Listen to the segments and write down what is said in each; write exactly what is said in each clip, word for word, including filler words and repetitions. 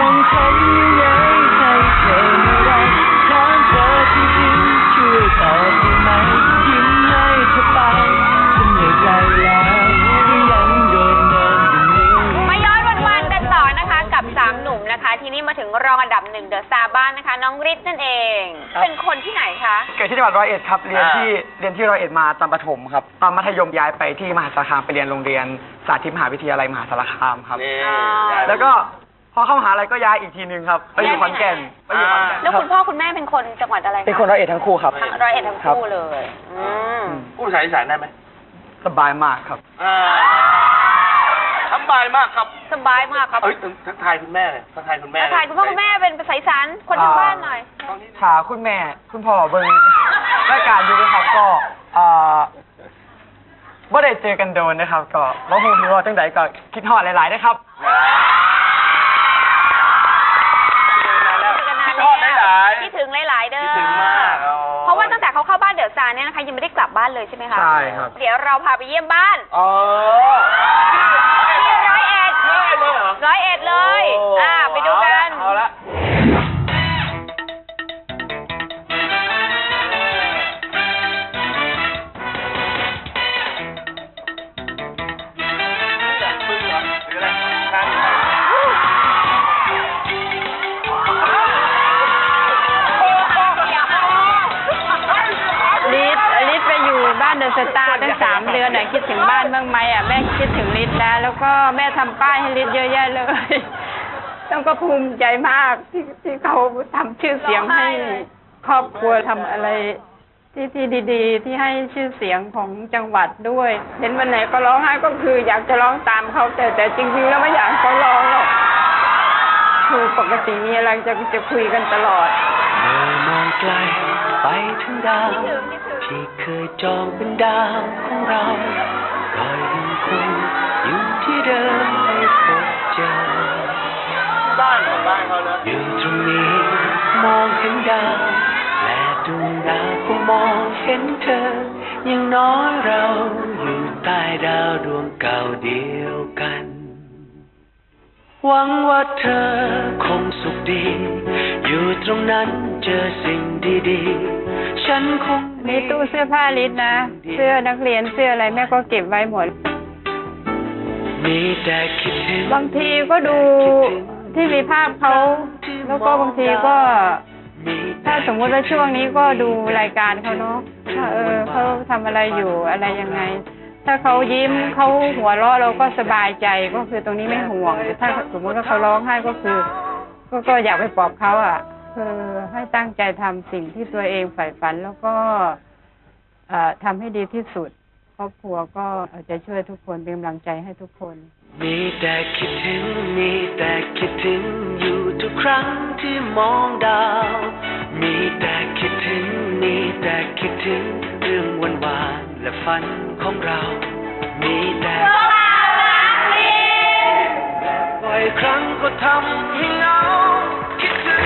งทำยังไงให้เธอไม่รักถามเธอจริงๆช่วยตอบได้ไหมยิ้มให้เธอไปฉันเหนื่อยใจแล้วที่ยังโดนเดินอยู่นี้มาย้อนวันๆกันต่อนะคะกับสามหนุ่มนะคะทีนี้มาถึงรองอันดับหนึ่งเดอะสตาร์บ้านนะคะน้องฤทธิ์นั่นเองเป็นคนที่ไหนคะเกิดที่จังหวัดร้อยเอ็ดครับเรียนที่เรียนที่ร้อยเอ็ดมาตอนประถมครับตอนมัธยมย้ายไปที่มหาสารคามไปเรียนโรงเรียนสาธิตมหาวิทยาลัยมหาสารคามครับแล้วก็พอเข้ามหาลัยก็ย้ายอีกทีนึงครับไปอยู่ขอนแก่นไปอยู่ขอนแก่นแล้วคุณพ่อคุณแม่เป็นคนจังหวัดอะไรเป็นคนร้อยเอ็ดทั้งคู่ครับร้อยเอ็ดทั้งคู่เลยพูดภาษาอีสานได้ไหมสบายมากครับสบายมากครับสบายมากครับเอ้ยทักทายคุณแม่เลยทักทายคุณแม่ทักทายคุณพ่อคุณแม่เป็นภาษาอีสานคนทางบ้านหน่อยถามคุณแม่คุณพ่อเบิ้งรายการอยู่ด้วยครับก็อ่าบ่ได้เจอกันโดนนะครับก็บ่ฮู้ว่าจังใดก็คิดฮอดหลายๆนะครับคิดฮอดหลายๆคิดถึงหลายๆเด้อคิดถึงมากเพราะว่าตั้งแต่เขาเข้าบ้านเดอะสตาร์เนี่ยนะคะยังไม่ได้กลับบ้านเลยใช่ไหมคะใช่ครับเดี๋ยวเราพาไปเยี่ยมบ้านอ๋อที่ร้อยเอ็ดร้อยเอ็ดเลยเหรอร้อยเอ็ดเลยอ่าไปดูกันเอาละเดอะสตาร์ตั้งสามเดือนอ่ะคิดถึงบ้านบ้างไหมอ่ะแม่คิดถึงฤทธิ์แล้วแล้วก็แม่ทำป้ายให้ฤทธิ์เยอะแยะเลยต้องก็ภูมิใจมากที่ที่เขาทำชื่อเสียงให้ครอบครัวทำอะไรที่ที่ดีๆที่ให้ชื่อเสียงของจังหวัดด้วยเห็นวันไหนก็ร้องไห้ก็คืออยากจะร้องตามเขาแต่แต่จริงๆแล้วไม่อยากเขาร้องหรอกคือปกติมีอะไรจะจะคุยกันตลอดเมื่อมองไกลไปถึงดาวที่เคยจองเป็นดาวของเราก็ยังคงอยู่ที่เดิมไม่พบเจอบ้านของบ้านเขาเนอะอยู่ตรงนี้มองเห็นดาวและดวงดาวก็มองเห็นเธอยังน้อยเราอยู่ใต้ดาวดวงเก่าเดียวกันหวังว่าเธอคงสุขดีอยู่ตรงนั้นเจอสิ่งดีๆฉันคงนี่ตู้เสื้อผ้าฤทธิ์นะเสื้อนักเรียนเสื้ออะไรแม่ก็เก็บไว้หมดมีแต่คิดถึงบางทีก็ดูที่มีภาพเขาแล้วก็บางทีก็ถ้าสมมุติว่าช่วงนี้ก็ดูรายการเขาเนาะว่าเออเขาทำอะไรอยู่อะไรยังไงถ้าเขายิ้มเขาหัวเราะเราก็สบายใจก็คือตรงนี้ไม่ห่วงแต่ถ้าสมมติว่าเขาร้องไห้ก็คือก็ก็อยากไปปลอบเขาอ่ะคือให้ตั้งใจทำสิ่งที่ตัวเองใฝ่ฝันแล้วก็ทำให้ดีที่สุดครอบครัวก็จะช่วยทุกคนเป็นกำลังใจให้ทุกคนมีแต่คิดถึงมีแต่คิดถึงอยู่ทุกครั้งที่มองดาวมีแต่คิดถึงมีแต่คิดถึงเรื่องวันวานและฝันของเรามีแต่บ่อยครั้งก็ทำให้เหงาคิดถึง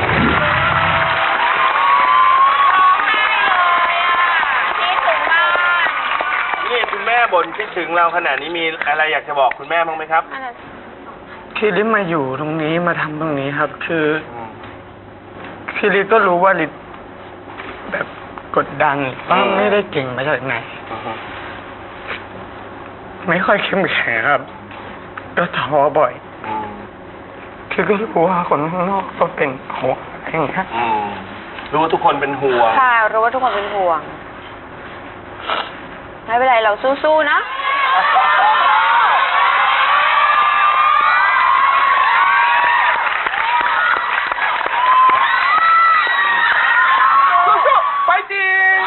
นี่คุณแม่บ่นคิดถึงเราขนาดนี้มีอะไรอยากจะบอกคุณแม่บ้างไหมครับคือลิศมาอยู่ตรงนี้มาทำตรงนี้ครับคือคือลิศก็รู้ว่าลิศแบบกดดันว่าไม่ได้เก่งมาจากไหนไม่ค่อยเข้มแข็งครับก็ท้อบ่อยคือก็รู้ว่าคนข้างนอกก็เป็นห่วงอย่างเงี้ยรู้ว่าทุกคนเป็นห่วงค่ะรู้ว่าทุกคนเป็นห่วงไม่เป็นไรเราสู้ๆนะสู้ๆไปจริง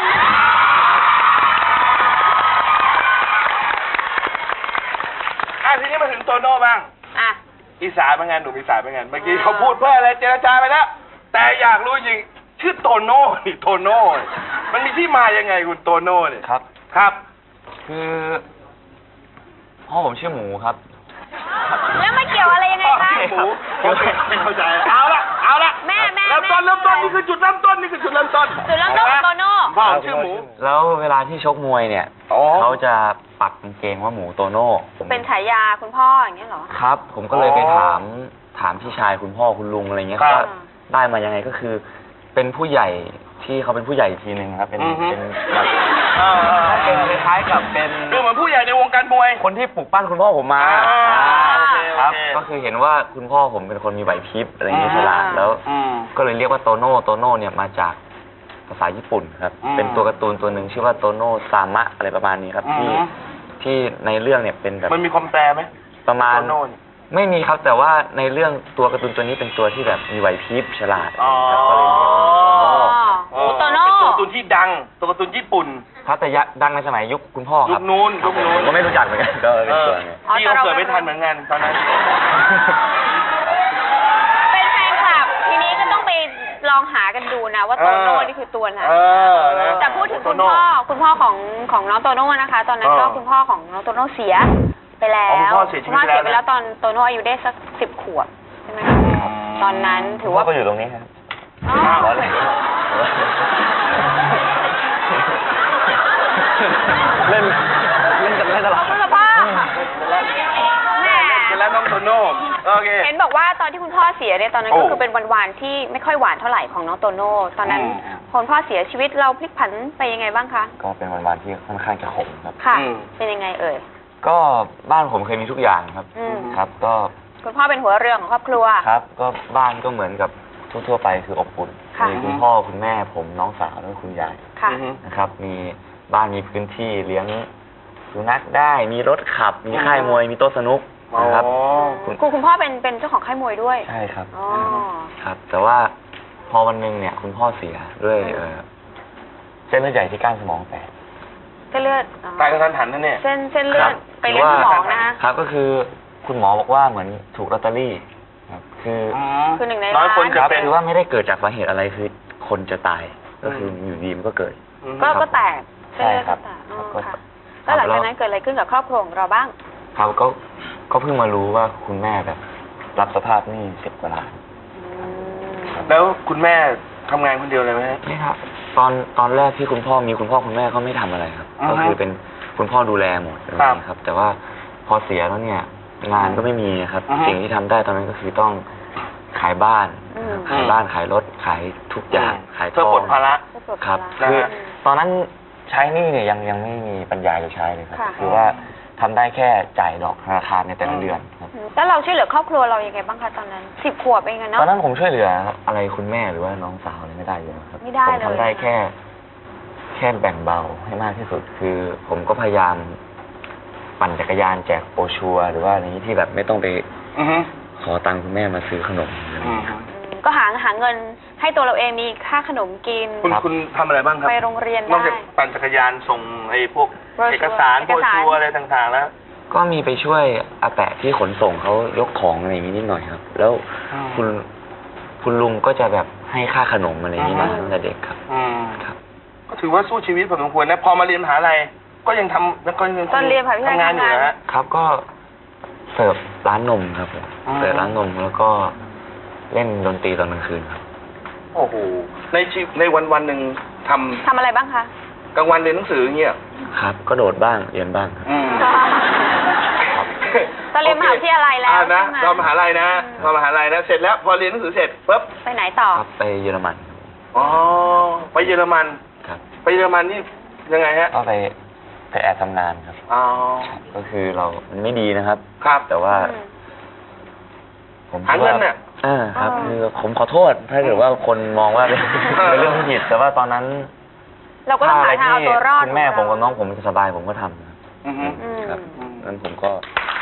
อ่ะทีนี้มาถึงโตโน่บ้างอ่ะอีสานเป็นไงหนุ่มอีสานเป็นไงเมื่อกี้เขาพูดเพื่ออะไรเจรจาไปแล้วแต่อยากรู้จริงชื่อโตโน่นี่โตโน่มันมีที่มายังไงคุณโตโน่เนี่ยครับครับคือพ่อผมชื่อหมูครับแล้วมาเกี่ยวอะไรยังไงคะหมูไม่เข้าใจเอาละเอาละแม่แม่เริ่มต้นเริ่มต้นนี่คือจุดเริ่มต้นนี่คือจุดเริ่มต้นจุดเริ่มต้นโตโน่พ่อชื่อหมูแล้วเวลาที่ชกมวยเนี่ยเขาจะปักกางเกงว่าหมูโตโน่เป็นฉายาคุณพ่ออย่างเงี้ยเหรอครับผมก็เลยไปถามถามพี่ชายคุณพ่อคุณลุงอะไรเงี้ยครับว่าได้มายังไงก็คือ เป็นผู้ใหญ่ที่เขาเป็นผู้ใหญ่อีกทีหนึ่งครับ เป็นอือฮึเป็นแบบอ่าเป็นคล้ายๆกับเป็นคือเหมือนผู้ใหญ่ในวงการมวยคนที่ปลูกปั้นคุณพ่อผมมาอ่าอ่าโอเคครับโอเคก็คือเห็นว่าคุณพ่อผมเป็นคนมีไหวพริบอะไรเงี้ยฉลาดแล้วอืมก็เลยเรียกว่าโตโน่โตโน่เนี่ยมาจากภาษาญี่ปุ่นครับอืมเป็นตัวการ์ตูนตัวหนึ่งชื่อว่าโตโน่ซามะอะไรประมาณนี้ครับ ที่อืมที่ในเรื่องเนี่ยเป็นแบบมันมีความแปลไหมประมาณโตโน่เนี่ยไม่มีครับแต่ว่าในเรื่องตัวการ์ตูนตัวนี้เป็นตัวที่แบบมีไหวพริบฉลาดอ๋อครับก็เลยเรียกว่าโตโน่โอ้โตโน่เป็นตัวการ์ตูนที่ดัง ตัวการ์ตูนญี่ปุ่นครับแต่ยะดังในสมัยยุคคุณพ่อคยุรับคนู้นยุคนู้นผมก็ไม่รู้จักเหมือนกันก็เป็นตัวไงอ๋อพี่แต่ก็เราเกิดไม่ทันเหมือนกันตอนนั้นเป็นแฟนคลับ ทีนี้ก็ต้องไปลองหากันดูนะว่าโตโน่นี่คือตัวไหนเออนะแต่พูดถึงคุณโตโน่พ่อคุณพ่อของของน้องโตโน่นะคะ ตอนนั้นก็เออคุณพ่อของน้องโตโน่เสียไปแล้อ๋อคุณวพ่อเสียชีวิตคุณพ่อเสียไปไปแล้แล้ว วตอนโตโน่อายุได้สักสิบขวบใช่ไหมคะตอนนั้นถือว่าก็อยู่ตรงนี้ครับอ๋อร้อนเลยเล่นเล่นกันเล่นตลอดคุณพ่อแหมเป็นแล้วน้องโตโน่โอเคเห็นบอกว่าตอนที่คุณพ่อเสียเนี่ยตอนนั้นโอ้ก็คือเป็นวันวานที่ไม่ค่อยหวานเท่าไหร่ของน้องโตโน่ตอนนั้นอืมพอคุณพ่อเสียชีวิตเราพลิกผันไปยังไงบ้างคะก็เป็นวันๆที่ค่อนข้างจะขมครับค่ะอืมเป็นยังไงเอ่ยก็บ้านผมเคยมีทุกอย่างครับอืมครับ ก็คุณพ่อเป็นหัวเรือของครอบครัวครับก็บ้านก็เหมือนกับทั่วๆไปคืออบอุ่นค่ะมีคุณพ่อคุณแม่ผมน้องสาวแล้วก็คุณยายค่ะอือฮึนะครับ มีบ้านมีพื้นที่เลี้ยงสุนัขได้ มีรถขับ มีค่ายมวย มีโต๊ะสนุกนะครับอ๋อคุณคุณคุณพ่อเป็นเป็นเจ้าของค่ายมวยด้วยใช่ครับอ๋อครับ แต่ว่าพอวันหนึ่งเนี่ย คุณพ่อเสียด้วยเอ่อเส้นเลือดใหญ่ที่ก้านสมองแตกเส้นเลือดอ๋อตายกระทันหันนั่นเนี่ยเส้นเส้นเลือครัดบไปเลี้ยงสมองนะคะครับก็คือคุณหมอบอกว่าเหมือนถูกลอตเตอรี่ครับคือคือหนึ่งในน้อยคนล้านจะครับเป็นคือว่าไม่ได้เกิดจากสาเหตุอะไรคือคนจะตายก็คืออยู่ดีมันก็เกิดก็ครับก็แตกเส้นเลือดใช่ครัก็บแตกอ๋อก็ค่ะแล้วหลังจากนั้นเกิดอะไรขึ้นกับครอบครัวของเราบ้างครับก็ก็เพิ่งมารู้ว่าคุณแม่แบบ รับสภาพหนี้สิบกว่าล้านอืมแล้วคุณแม่ทำงานคนเดียวเลยไหมฮะนี่ครับ ตอนตอนแรกที่คุณพ่อมีคุณพ่อคุณแม่เขาไม่ทำอะไรครับอือฮึก็คือเป็นคุณพ่อดูแลหมดอะไรอย่างเงี้ยครับ แต่ว่าพอเสียแล้วเนี่ย งานก็ไม่มีครับอือฮึสิ่งที่ทำได้ตอนนั้นก็คือต้องขายบ้านอืมขายบ้านขายรถขายทุกอย่างขายเพื่อทอปลงดภาระก็ปลดครับภาะคือนะฮะตอนนั้นใช้หนี้เนี่ยยังยังไม่มีปัญญาจะใช้เลยครับค่ะคือว่าทำได้แค่จ่ายดอกธนาคารในแต่ละเดือนครับอืมแล้วเราช่วยเหลือครอบครัวเรายังไงบ้างคะตอนนั้นสิบขวบเองอะตเนาะอนนั้นผมช่วยเหลืออะไรคุณแม่หรือว่าน้องสาวอะไรไม่ได้เลยครับไม่ได้ผมเลยทำได้แค่ แค่แบ่งเบาให้มากที่สุด คือ ผมก็พยายามปั่นจักรยานแจกโปรชัวร์หรือว่าอะไรนี้ที่แบบไม่ต้องไปอือฮึขอตังค์คุณแม่มาซื้อขนมอะไรอย่างอืเงี้มยครับอืมก็หาหาเงินให้ตัวเราเองมีค่าขนมกินคุณครับคุณทำอะไรบ้างครับไปโรงเรียนนอกได้จากปั่นจักรยานส่งไอ้พวกโบรชัวร์เอกสารเอโบกสารชัวร์อะไรต่างๆแล้วก็มีไปช่วยอาแปะที่ขนส่งเขายกของอะไรอย่างนี้นิดหน่อยครับ แล้วอืมคุณคุณลุงก็จะแบบให้ค่าขนมอะไรอย่างนี้มาอืมตั้งแต่เด็กครับอืมครับก็ถือว่าสู้ชีวิตพอสมควรนะ พอมาเรียนมหาลัยก็ยังทำแล้วก็ยังตอนเรียนมหาวิทยาลัยทำงานอยู่นะฮะครับก็เสิร์ฟร้านนมครับผมอืมเสิร์ฟร้านนมแล้วก็เล่นดนตรีตอนกลางคืนครับโอ้โห ในชีวิตในวันวันๆหนึ่งทำทำอะไรบ้างคะกลางวันเรียนหนังสืออย่างเงี้ยครับ ก็โดดบ้างเรียนบ้างครับอืมตอนเรียนมหาวิทยาลัยแล้วอ่านะใช่ไหมตอนมหาลัยนะอืมตอนมหาลัยนะ เสร็จแล้ว พอเรียนหนังสือเสร็จปุ๊บไปไหนต่อครับไปเยอรมันอ๋อ ไปเยอรมันครับไปเยอรมันนี่ยังไงฮะก็ไปไปแอบทำงานครับอ๋อก็คือเรามันไม่ดีนะครับครับแต่ว่าอืมผมหาเงินเนี่ยอ่าครับอ๋อคือผมขอโทษ ถ้าเกิดว่าคนมองว่าเป็น เป็นเรื่องที่ผิด แต่ว่าตอนนั้นเราก็ต้องหาทางเอาตัวรอดคุณแม่ผมขกับงน้เราองผมจะสบายผมก็ทำครับอือฮึอืมครับนั้นผมก็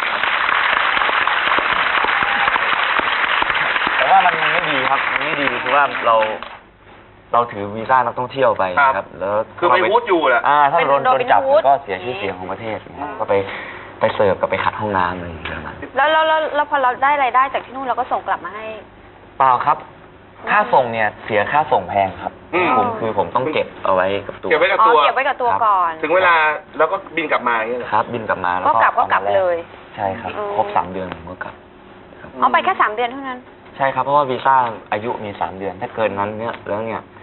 แต่ว่ามันมันไม่ดีครับ มันไม่ดีคือว่าเรา เราถือวีซ่านักท่องเที่ยวไปครับครับ แล้วคือไปวูดอยู่แหละอ่า ถ้าเป็นโดนโดโดนนจับเป็นวูดมันก็เสียชื่อเสียงของประเทศนะครับก็ไปไปเสิร์ฟกับไปขัดห้องน้ำอะไรอย่างเงี้ยนะแล้วแล้วแล้วแล้วพอเราได้รายได้จากที่นู่นเราก็ส่งกลับมาให้เปล่าครับ ค่าส่งเนี่ยเสียค่าส่งแพงครับอืมผมคือผมต้องเก็บเอาไว้กับตัวเก็บไว้กับอ๋อตัวเก็บไว้กับตัวก่อนถึงเวลาแล้วก็บินกลับมาอย่างเงี้ยเหรอครับ บินกลับมาแล้วก็กลับก็อามกลับแเลยใช่ครับอืมครบสามเดือนผมก็กลับอ๋อไปแค่สามเดือนเท่านั้นใช่ครับ เพราะว่าวีซ่าอายุมีสามเดือน ถ้าเกินนั้นเนี่ยแล้วเนี่ย